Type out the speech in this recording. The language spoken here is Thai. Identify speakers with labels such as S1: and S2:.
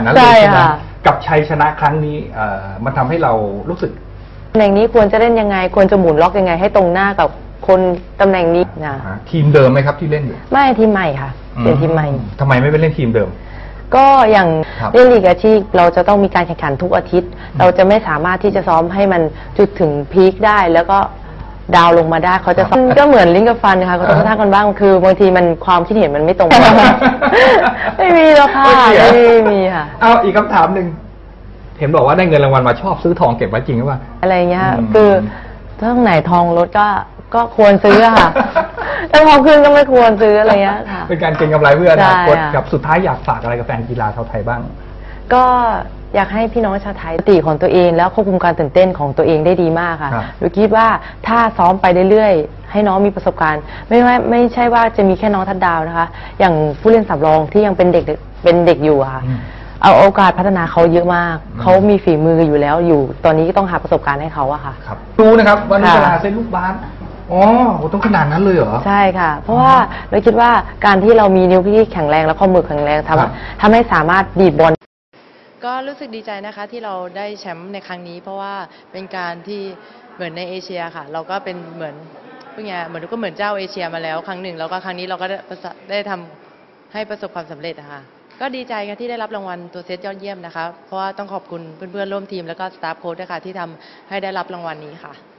S1: นั้นเลยใช่ไหม
S2: ค่ะ
S1: กับชัยชนะครั้งนี้มันทำให้เรารู้สึก
S2: ตำแหน่งนี้ควรจะเล่นยังไงควรจะหมุนล็อกยังไงให้ตรงหน้ากับคนตำแหน่งนี้นะ
S1: ทีมเดิมไหมครับที่เล่นอยู่
S2: ไม่ทีมใหม่ค่ะเป็นทีมใหม่
S1: ทำไมไม่ไปเล่นทีมเดิม
S2: ก็อย่างเล่นลีกอาชีพเราจะต้องมีการแข่งขันทุกอาทิตย์เราจะไม่สามารถที่จะซ้อมให้มันจุดถึงพีคได้แล้วก็ดาวลงมาได้เขาจะก็เหมือนลิ้นกับฟันค่ะเขาต้องท่ากันบ้างคือบางทีมันความคิดเห็นมันไม่ตรงกันไม่มีหรอกค่ะไม่มีค่ะ
S1: เอาอีกคำถามหนึ่งเห็นบอกว่าได้เงินรางวัลมาชอบซื้อทองเก็บไว้จริงหรือเปล่า
S2: อะไรเงี้ยคือถ้าไหนทองลดก็ควรซื้อค่ะถ้าทองขึ้นก็ไม่ควรซื้ออะไรเงี้ยค่ะ
S1: เป็นการเก็งกำไรเพื่ออนาคตครับสุดท้ายอยากฝากอะไรกับแฟนกีฬาชาวไทยบ้าง
S2: ก็อยากให้พี่น้องชาวไทยสติของตัวเองแล้วควบคุมการตื่นเต้นของตัวเองได้ดีมากค่ะโดยคิดว่าถ้าซ้อมไปเรื่อยๆให้น้องมีประสบการณ์ไม่ใช่ว่าจะมีแค่น้องทัดดาวนะคะอย่างผู้เล่นสำรองที่ยังเป็นเด็กอยู่ค่ะเอาโอกาสพัฒนาเขาเยอะมากเขามีฝีมืออยู่แล้วอยู่ตอนนี้ก็ต้องหาประสบการณ์ให้เขาอะค่ะ
S1: ครับรู้นะครับว่านุชนาเส้นลูกบาสอ๋อต้องขนาดนั้นเลยเหรอ
S2: ใช่ค่ะเพราะว่าเราคิดว่าการที่เรามีนิ้วที่แข็งแรงและข้อมือแข็งแรงทำให้สามารถดีดบอลก็รู้สึกดีใจนะคะที่เราได้แชมป์ในครั้งนี้เพราะว่าเป็นการที่เหมือนในเอเชียค่ะเราก็เป็นเหมือนเป็นไงเหมือนก็เหมือนเจ้าเอเชียมาแล้วครั้งหนึ่งแล้วก็ครั้งนี้เราก็ได้ทำให้ประสบความสำเร็จนะคะก็ดีใจค่ะที่ได้รับรางวัลตัวเซตยอดเยี่ยมนะคะเพราะว่าต้องขอบคุณเพื่อนๆร่วมทีมแล้วก็สตาฟโค้ชด้วยค่ะที่ทำให้ได้รับรางวัลนี้ค่ะ